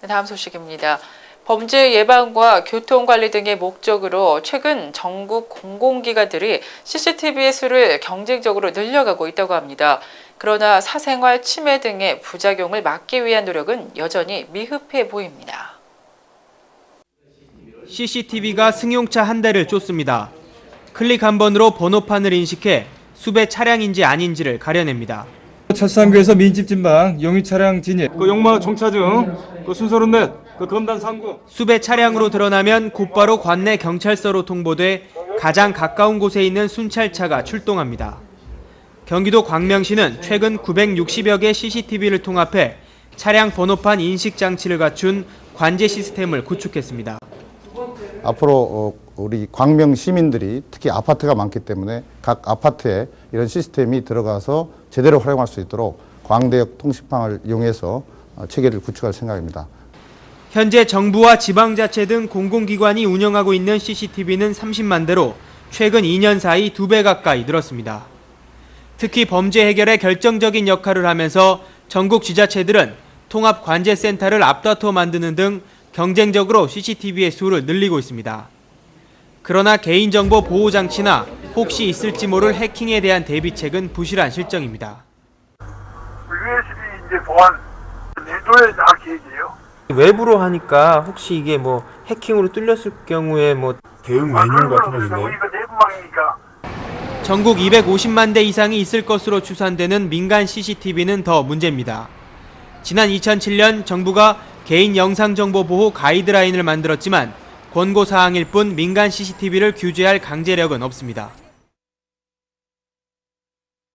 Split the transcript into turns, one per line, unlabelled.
다음 소식입니다. 범죄 예방과 교통관리 등의 목적으로 최근 전국 공공기관들이 CCTV의 수를 경쟁적으로 늘려가고 있다고 합니다. 그러나 사생활 침해 등의 부작용을 막기 위한 노력은 여전히 미흡해 보입니다.
CCTV가 승용차 한 대를 쫓습니다. 클릭 한 번으로 번호판을 인식해 수배 차량인지 아닌지를 가려냅니다.
철산구에서 민집 진방, 용의 차량 진입, 용마 정차증, 순서로 넷, 검단 상구.
수배 차량으로 드러나면 곧바로 관내 경찰서로 통보돼 가장 가까운 곳에 있는 순찰차가 출동합니다. 경기도 광명시는 최근 960여 개 CCTV를 통합해 차량 번호판 인식 장치를 갖춘 관제 시스템을 구축했습니다.
앞으로 우리 광명 시민들이 특히 아파트가 많기 때문에 각 아파트에 이런 시스템이 들어가서 제대로 활용할 수 있도록 광대역 통신망을 이용해서 체계를 구축할 생각입니다.
현재 정부와 지방자치 등 공공기관이 운영하고 있는 CCTV는 30만 대로 최근 2년 사이 2배 가까이 늘었습니다. 특히 범죄 해결에 결정적인 역할을 하면서 전국 지자체들은 통합관제센터를 앞다퉈 만드는 등 경쟁적으로 CCTV의 수를 늘리고 있습니다. 그러나 개인정보 보호장치나 혹시 있을지 모를 해킹에 대한 대비책은 부실한 실정입니다.
USB 이제 보안 내도에 나 계획이에요.
외부로 하니까 혹시 이게 뭐 해킹으로 뚫렸을 경우에 뭐
대응 메뉴 같은 거 있나요? 우리가 내부망이니까.
전국 250만 대 이상이 있을 것으로 추산되는 민간 CCTV는 더 문제입니다. 지난 2007년 정부가 개인 영상정보 보호 가이드라인을 만들었지만 권고사항일 뿐 민간 CCTV를 규제할 강제력은 없습니다.